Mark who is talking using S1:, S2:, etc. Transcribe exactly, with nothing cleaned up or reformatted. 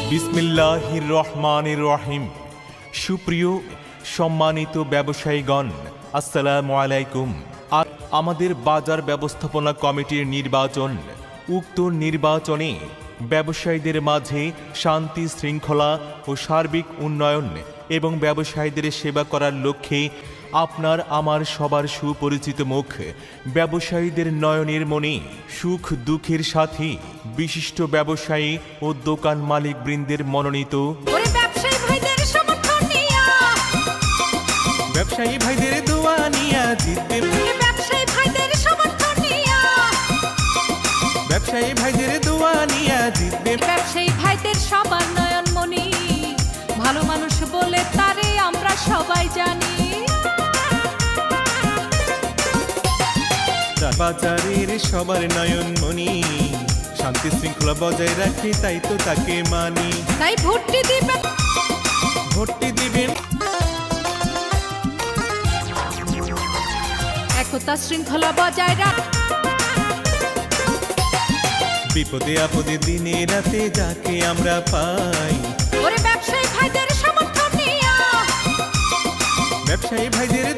S1: বিসমিল্লাহির রহমানির রহিম। সুপ্রিয় সম্মানিত ব্যবসায়ীগণ, আসসালামু আলাইকুম। আর আমাদের বাজার ব্যবস্থাপনা কমিটির নির্বাচন, উক্ত নির্বাচনে ব্যবসায়ীদের মাঝে শান্তি শৃঙ্খলা ও সার্বিক উন্নয়ন এবং ব্যবসায়ীদের সেবা করার লক্ষ্যে আপনার আমার সবার সুপরিচিত মুখ ব্যবসায়ীদের নয়নের মনে সুখ দুঃখের সাথে বিশিষ্ট ব্যবসায়ী ও দোকান মালিক বৃন্দের মনোনীত ব্যবসায়ী ভাইদের দোয়া নিয়া জিতবে,
S2: ব্যবসায়ী ভাইদের সমর্থন নিয়া,
S1: ব্যবসায়ী ভাইদের দোয়া নিয়া জিতবে,
S2: ব্যবসায়ী ভাইদের সবার নয়ন মনি, ভালো মানুষ বলে তারে আমরা সবাই জানি।
S1: বাজারের সবার নয়ন মনি, শান্তি শৃঙ্খলা বজায় রাখে তাই তো তাকে মানি।
S2: তাই ভোটটি দিবেন,
S1: ভোটটি দিবেন,
S2: একতা শৃঙ্খলা বজায় রাখ,
S1: বিপদে আপদে দিনে রাতে যাকে আমরা পাই।
S2: ওরে ব্যবসায়ী ভাইদের সমর্থন নিয়া,
S1: ব্যবসায়ী ভাইদের